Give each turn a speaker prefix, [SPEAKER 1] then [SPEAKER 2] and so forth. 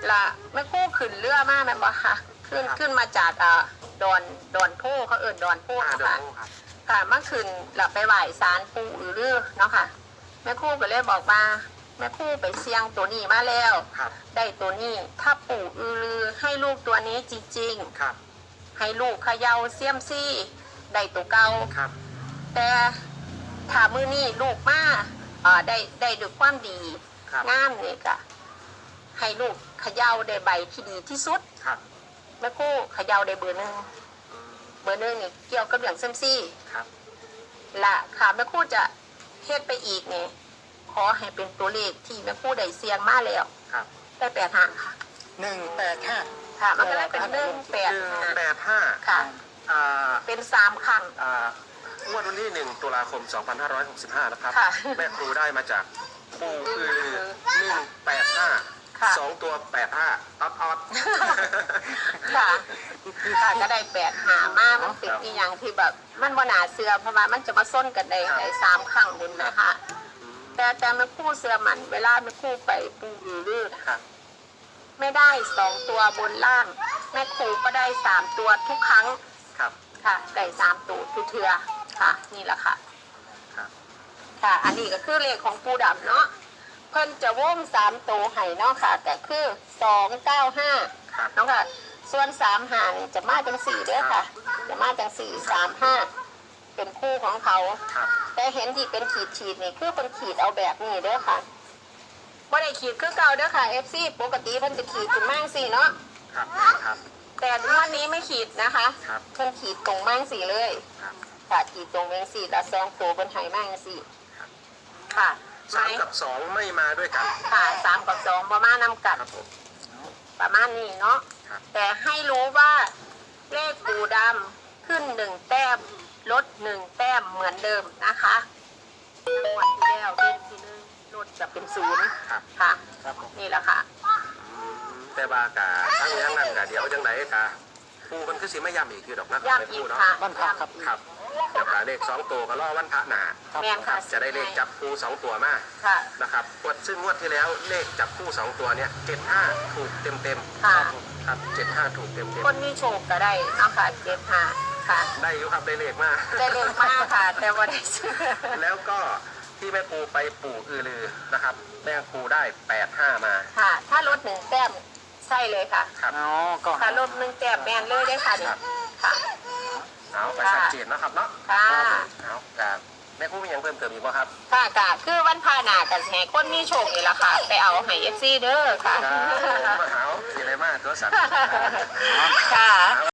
[SPEAKER 1] ละแม่ครู่ขึ้นเรือมาแม่นบ่ค่ะขึ้นมาจากดอนโพเขาดอนโพ
[SPEAKER 2] เดิน
[SPEAKER 1] ค่ะ
[SPEAKER 2] โอ้ครับ
[SPEAKER 1] ค่ะเมื่อคืนเราไปไหว้ศาลปู่อือรือเนาะค่ะแม่ครู่ก็เลยบอกว่าแม่ครู่ไปเสี่ยงตัวนี้มาแล้ว
[SPEAKER 2] ครับ
[SPEAKER 1] ได้ตัวนี้ถ้าปู่อือรือให้ลูกตัวนี้จริง
[SPEAKER 2] ครับ
[SPEAKER 1] ๆให้ลูกเขย่าเสี่ยมซี่ได้ตัวเก่า
[SPEAKER 2] ครับ
[SPEAKER 1] แต่ถ้ามือนี้ลูกมาได้ด้วยความดี
[SPEAKER 2] ครับ
[SPEAKER 1] งามนี่ก็ให้ลูกเขย่าได้ใบที่ดีที่สุด
[SPEAKER 2] ครับ
[SPEAKER 1] แม่ครู่เขย่าได้เบอร์หนึ่ง
[SPEAKER 2] อืม
[SPEAKER 1] เบอร์หนึ่งนี่เกี่ยวกับเรื่องเสี่ยมซี่
[SPEAKER 2] ครับ
[SPEAKER 1] ละค่ะแม่ครู่จะเฮ็ดไปอีกเนี่ยขอให้เป็นตัวเลขที่แม่ครู่ได้เสียงมาแล้ว
[SPEAKER 2] ครับ
[SPEAKER 1] ได้8 หางค่ะ
[SPEAKER 3] 185
[SPEAKER 1] ค่ะ มันก็ได้เป็น1 8
[SPEAKER 2] 185
[SPEAKER 1] ค่ะ
[SPEAKER 2] อ่า
[SPEAKER 1] เป็น3 ครั้ง
[SPEAKER 2] งวดวันที่1 ตุลาคม 2565 นะครับ
[SPEAKER 1] ค่ะ
[SPEAKER 2] แม่ครูได้มาจากปูคือ185
[SPEAKER 1] ค่ะ
[SPEAKER 2] 2 ตัว 85ออด
[SPEAKER 1] ค่ะค่ะก็ได้8 หางมามันเป็นอีหยังที่แบบมันบ่น่าเชื่อเพราะว่ามันจะมาส้นกันได้3 ครั้งบุญนะคะ แต่แม่ครู่เชื่อมันเวลาแม่ครู่ไปปูอือนะคะ ไม่ได้2 ตัวบนล่าง แม่ครูก็ได้3 ตัวทุกครั้ง
[SPEAKER 2] ครับ
[SPEAKER 1] ค่ะได้3 ตัวทุกเทือค่ะ นี่แหละค่ะ
[SPEAKER 2] ครับ
[SPEAKER 1] ค่ะ อันนี้ก็คือเลขของปูดำเนาะเพิ่นจะวง3 ตัวให้เนาะค่ะก็คือ295
[SPEAKER 2] ครับ
[SPEAKER 1] เนาะค่ะส่วน3 หางนี่จะมาจัง4เด้อค่ะ จะมาจัง4 3 5เป็นคู่ของเขา
[SPEAKER 2] ครับ
[SPEAKER 1] แต่เห็นที่เป็นขีดนี่คือเป็นขีดเอาแบบนี้เด้อค่ะบ่ได้ขีดคือเก่าเด้อค่ะ FC ปกติเพิ่นจะขีดขึ้นมั่งสิเนาะ
[SPEAKER 2] ครับ ครับ
[SPEAKER 1] แต่วันนี้ไม่ขีดนะคะ
[SPEAKER 2] ครับ
[SPEAKER 1] เพิ่นขีดตรงมั่งสิเลย
[SPEAKER 2] ครับ
[SPEAKER 1] ค่ะขีดตรงเวงสี่ละ2 ตัวบนไหมั่งสิ
[SPEAKER 2] ครับ
[SPEAKER 1] ค่ะ
[SPEAKER 2] 3 กับ 2 ไม่มาด้วยกัน
[SPEAKER 1] ค่ะ3 กับ 2ประมาณนำกัด
[SPEAKER 2] ครับผม
[SPEAKER 1] ประมาณนี้เนาะ
[SPEAKER 2] ครับ
[SPEAKER 1] แต่ให้รู้ว่าเลขปูดำขึ้น1 แต้มลด1 แต้มเหมือนเดิมนะคะจังหวัดที่แล้วเลขที่1ลดจะเป็น0
[SPEAKER 2] ครับ
[SPEAKER 1] ค่ะ
[SPEAKER 3] ครับผม
[SPEAKER 1] นี่แหละค่ะ
[SPEAKER 2] แต่บากาทั้งยังนั้นกะเดี๋ยวจังไหนกะปูมันคือสิไม่ย้ำอีกคือดอกนะ
[SPEAKER 1] ย้ำอีกค่ะ
[SPEAKER 3] บ้านพักครับ
[SPEAKER 2] ครับเดี๋ยวกะเลข2 ตัวก็รอวันพระหนา
[SPEAKER 3] ครับ
[SPEAKER 1] แม่นค่ะ
[SPEAKER 2] จะได้เลขจับคู่2 ตัวมา
[SPEAKER 1] ค่ะ
[SPEAKER 2] นะครับซึ่งงวดที่แล้วเลขจับคู่2 ตัวเนี่ย75ถูกเต็ม
[SPEAKER 1] ค่ะ
[SPEAKER 2] ๆครับ75ถูกเต็ม
[SPEAKER 1] คนมีโชคก็ได้เนาะค่ะ75ค่ะ
[SPEAKER 2] ๆได้อยู่ครับได้เลขมา
[SPEAKER 1] ได้เลขมากค่ะ แต่ว่าได้ซื้อ
[SPEAKER 2] แล้วก็ที่แม่ครูไปปู่อือลือนะครับแม่ครูได้85มา
[SPEAKER 1] ค่ะ ถ้าลด1 แต้มใช่เลยค่ะ
[SPEAKER 2] ครับ
[SPEAKER 3] อ๋อก็
[SPEAKER 1] ถ้าลด1 แต้มแมนเลยได้ค่ะนี่ค่ะ
[SPEAKER 2] เอาไปชัดเจนนะครับเนาะ
[SPEAKER 1] ค่ะ
[SPEAKER 2] เอาครับแม่ครูมีอย่างเพิ่มเติมอีกไหมครับ
[SPEAKER 1] ค่ะกะคือวันพาหนากันแห่คนมีโชคนี่แหละค่ะ ไปเอาให้เอฟซีเด้อค่ะ
[SPEAKER 2] ครับผมมาหาสีอะไรมากตัวสัตว์
[SPEAKER 1] ค่ะ